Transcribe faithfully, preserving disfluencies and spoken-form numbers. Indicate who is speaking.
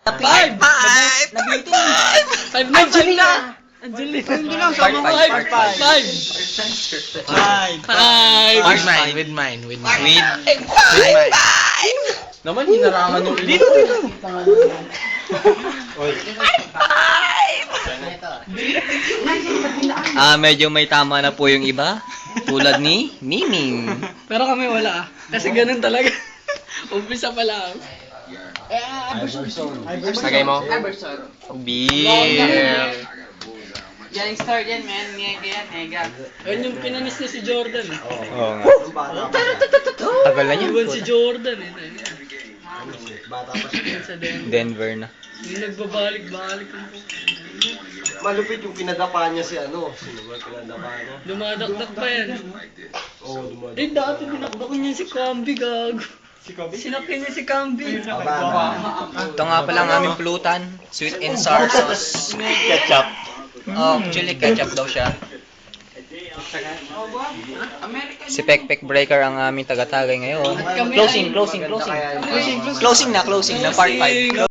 Speaker 1: Five!
Speaker 2: Five!
Speaker 1: Nabitin.
Speaker 3: Five na, five na.
Speaker 1: Angelina. Hindi lang,
Speaker 2: Part
Speaker 1: sama
Speaker 2: five,
Speaker 1: five.
Speaker 2: part
Speaker 3: Five.
Speaker 1: Five.
Speaker 3: Five.
Speaker 2: With mine, with mine, with mine.
Speaker 4: With,
Speaker 2: With mine.
Speaker 4: naman hinarangan yung
Speaker 1: Dito, dito.
Speaker 4: Ah, medyo may tama na po yung iba. Tulad ni Miming.
Speaker 3: Pero kami wala ah. Kasi ganun talaga. Umpisa pa lang.
Speaker 4: Sagay mo? Beer.
Speaker 1: Galing start yan, man. Mega yan, mega.
Speaker 3: Ayun yung pinanis niya si Jordan. eh.
Speaker 4: Oo nga. Tagal na niya.
Speaker 3: Iwan si Jordan eh. Sa Denver.
Speaker 4: Denver na.
Speaker 3: Yung nagbabalik-balik. ang po.
Speaker 5: Malupit yung pinadapa niya si ano. Sino ba pinadapa niya?
Speaker 3: Dumadakdak pa yan.
Speaker 5: Oo, dumadapa.
Speaker 3: Eh, dati dinakdak niya si Camby, gago. Si Camby? Sinakyan niya si Camby.
Speaker 4: Ito nga pala ang aming pulutan. Sweet and sour sauce.
Speaker 5: Ketchup.
Speaker 4: Oh, chili ketchup daw siya. Si Pekpek Breaker ang aming taga-tagay ngayon.
Speaker 3: At kami
Speaker 4: Closing,
Speaker 3: ay-
Speaker 4: closing, closing. Closing na, closing na, part five.